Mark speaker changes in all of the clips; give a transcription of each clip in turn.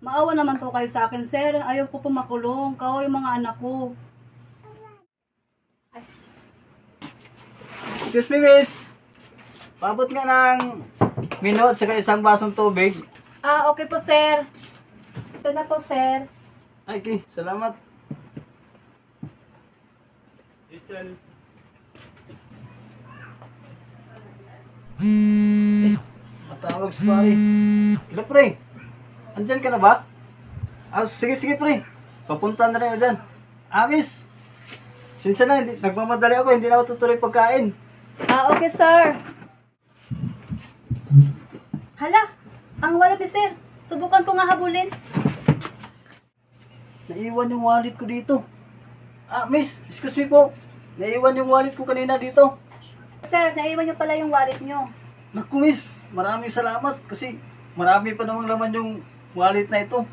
Speaker 1: Maawa naman po kayo sa akin, sir. Ayaw ko po makulong. Kawawa yung mga anak ko.
Speaker 2: Excuse me, miss. Pabot nga ng minot saka isang basong tubig.
Speaker 1: Ah, okay po, sir. Ito na po, sir.
Speaker 2: Ay, okay. Salamat. Listen. Matawag si pare. Kila pre. Andyan ka na ba? Ah, sige pre. Papunta na rin ako dyan. Miss. Sinsya na, nagmamadali ako. Hindi na ako tutuloy pagkain.
Speaker 1: Ah, okay, sir. Hala, ang wallet ni sir. Subukan ko nga habulin.
Speaker 2: Naiwan yung wallet ko dito. Miss, excuse me po. Naiwan yung wallet ko kanina dito.
Speaker 1: Sir, naiwan niyo pala yung wallet niyo.
Speaker 2: Naku, miss. Maraming salamat kasi marami pa namang laman yung wallet na ito.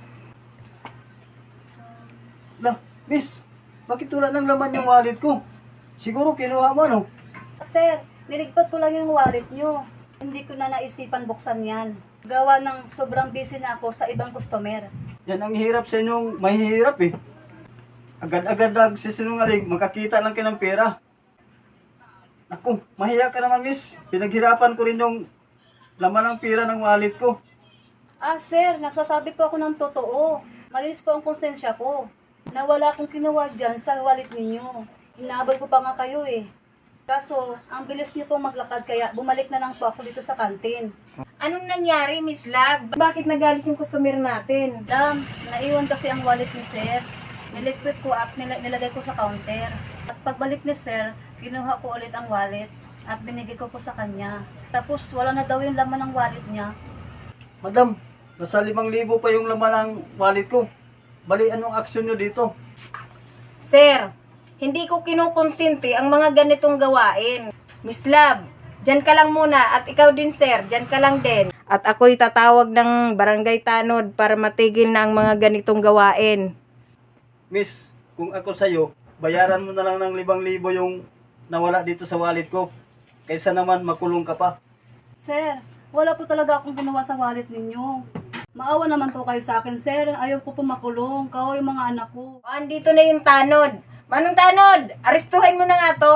Speaker 2: Lah, miss. Bakit wala ng laman yung wallet ko? Siguro kinuha mo, no?
Speaker 1: Sir, niligtot ko lang yung wallet niyo. Hindi ko na naisipan buksan yan. Gawa ng sobrang busy na ako sa ibang customer.
Speaker 2: Yan ang hirap sa inyong mahihirap eh. Agad-agad nagsisinungaling, makakita lang kayo ng pera. Naku, mahiya ka naman, miss. Pinaghirapan ko rin yung laman ng pera ng wallet ko.
Speaker 1: Ah, sir, nagsasabi po ako ng totoo. Malinis po ang konsensya ko. Nawala akong kinuha dyan sa wallet ninyo. Inaabol ko pa nga kayo eh. Kaso, ang bilis niyo pong maglakad kaya bumalik na lang po ako dito sa kantin.
Speaker 3: Anong nangyari, Miss Love? Bakit nagalit yung customer natin?
Speaker 1: Madam, naiwan kasi ang wallet ni sir. Niliquid ko at nilagay ko sa counter. At pagbalik ni sir, kinuha ko ulit ang wallet at binigay ko po sa kanya. Tapos wala na daw yung laman ng wallet niya.
Speaker 2: Madam, nasa 5,000 pa yung laman ng wallet ko. Bali, anong aksyon nyo dito?
Speaker 3: Sir, hindi ko kinukonsente ang mga ganitong gawain. Miss Love, dyan ka lang muna at ikaw din sir, dyan ka lang din. At ako'y tatawag ng barangay tanod para matigil na ang mga ganitong gawain.
Speaker 2: Miss, kung ako sa'yo, bayaran mo na lang ng 5,000 yung nawala dito sa wallet ko. Kaysa naman makulong ka pa.
Speaker 1: Sir, wala po talaga akong ginawa sa wallet ninyo. Maawa naman po kayo sa akin, sir. Ayaw ko po makulong. Kawawa yung mga anak ko.
Speaker 3: Andito na yung tanod. Manong tanod, arestuhin mo na nga to.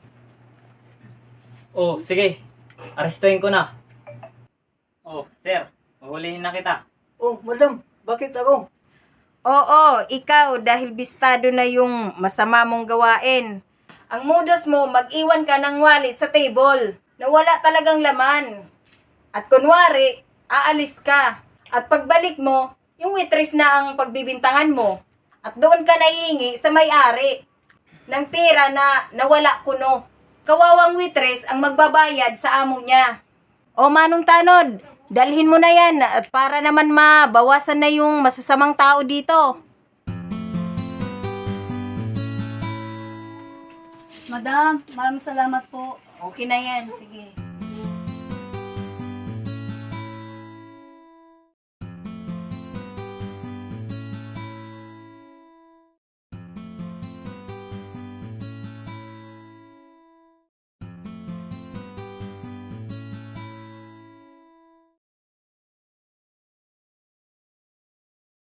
Speaker 4: Oh, sige. Arestuhin ko na. Oh, sir. Mahulihin na kita.
Speaker 2: Oh, madam, bakit ako?
Speaker 3: Oo, ikaw dahil bistado na yung masama mong gawain. Ang modus mo, mag-iwan ka ng wallet sa table na wala talagang laman. At kunwari, aalis ka. At pagbalik mo, yung waitress na ang pagbibintangan mo. At doon ka naihingi sa may-ari ng pera na nawala kuno. Kawawang waitress ang magbabayad sa amo niya. O Manong Tanod, dalhin mo na yan at para naman mabawasan na yung masasamang tao dito.
Speaker 1: Madam, maraming salamat po.
Speaker 3: Okay na yan, sige.